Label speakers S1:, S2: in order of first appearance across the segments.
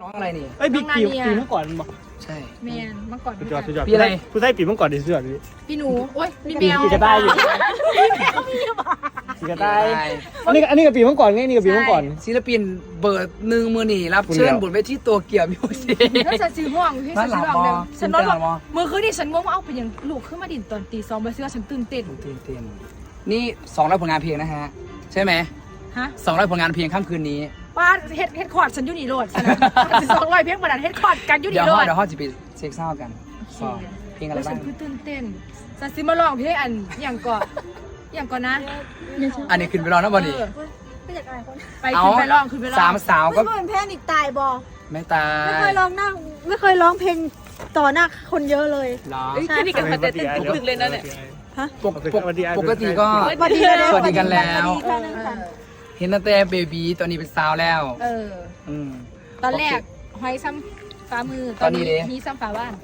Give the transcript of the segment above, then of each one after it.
S1: น้องอะไรนี่
S2: ไอ้ปีเมื่อก่อนบอก
S1: ใช่
S3: แมนเมื่อก่อน
S2: สุดยอด
S1: ปีอะไร
S2: ผู้ใช้ปีเมื่อก่อนดีสุดดิ
S3: พี่หนูโอ้ยมีแมว
S2: ปีกระต่ายอยู่ปีกระต่ายอันนี้กับปีเมื่อก่อนไงนี่กับปีเมื่อก่อน
S1: ศิลปินเบิร์ดหนึ่งมือหนีรับเชิญบนเวทีตัวเกี่ยวมิวสิก
S3: แล้วฉันซื้อห่วงพี่ฉันซื้อห่วงเดิมฉันนอนว่ามือคืนนี่ฉันงงว่าเอาไปยังลูกขึ้นมาดินตอนตี2มาซื้อฉันตื่นเต้น
S1: นี่200ผลงานเพลงนะฮะใช่ไหม
S3: ฮะ
S1: 200ผลงานเพลงค่ำคืนนี้
S3: ป้าเฮ็ดคอร์ดฉันอยู่นี่โหลดฉัน200เพลงประดันเฮ็ดคอร์ดกันอยู่นี่โหลด
S1: เดี๋ยวเขาจะไปเช็คเศร้ากันเพลงอะไรบ้าง
S3: ฉันคือตื่นเต้นฉันซื้อมาลองเพลงอันอย่างก่อนนะ
S1: อันนี้ขึ้นไปร้องนะบอลนี่
S3: ไม่อยากอะไรคนไปขึ้นไปร้อง
S1: 3 สาวก็
S4: ไม่เหมือนแพนิกตายบอ
S1: ไม่ตาย
S4: ไม่เคยร้องเพลงต่อหน้าคนเยอะเลย
S3: แค่นี้กันมาเต้นตึกเลยนะเนี่ย
S1: ปกติก็สวัสดีกันแล้วเห็นตั้งแต่เบบีตอนนี้เป็นสาวแล้ว
S3: ตอนแรกหอยซ้ำฝ่ามือตอนนี้มีซ้ำฝ่าบ้าน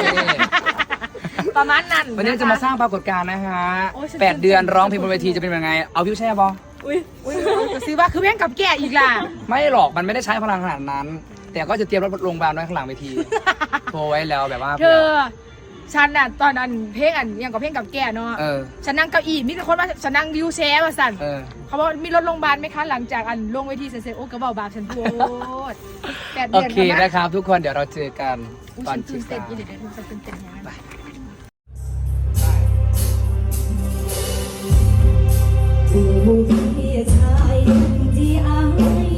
S3: ประมาณนั้น
S1: วันนี้จะมาสร้างปรากฏการณ์นะฮะ8 เดือนร้องเพลงบนเวทีจะเป็นยังไงเอาวิวแช่บอ
S3: จะซื้อว่าคือเพลงกับแก่อีกล่ะ
S1: ไม่หรอกมันไม่ได้ใช้พลังขนาดนั้นแต่ก็จะเตรียมรถโรงพยาบาลไว้ข้างหลังเวทีโทรไว้แล้วแบบว่า
S3: เธอฉันน่ะตอนนั้นเพลงอย่างกับเพลงกับแก่เนาะฉันนั่งเก้าอี้มีแต่คนว่าฉันนั่งวิวแชร์มาสั่นเขาบอกมีรถโรงพยาบาลไหมคะหลังจากลงเวทีเสร็จโอ้กระเป๋าบาปฉันพูด
S1: โอเคนะครับทุกคนเดี๋ยวเราเจอกันตอน
S3: ตื่นเต้นอีเด็ดฉันตื่นเต้นยังไง
S4: ผู้พี่ชายที่อ้าง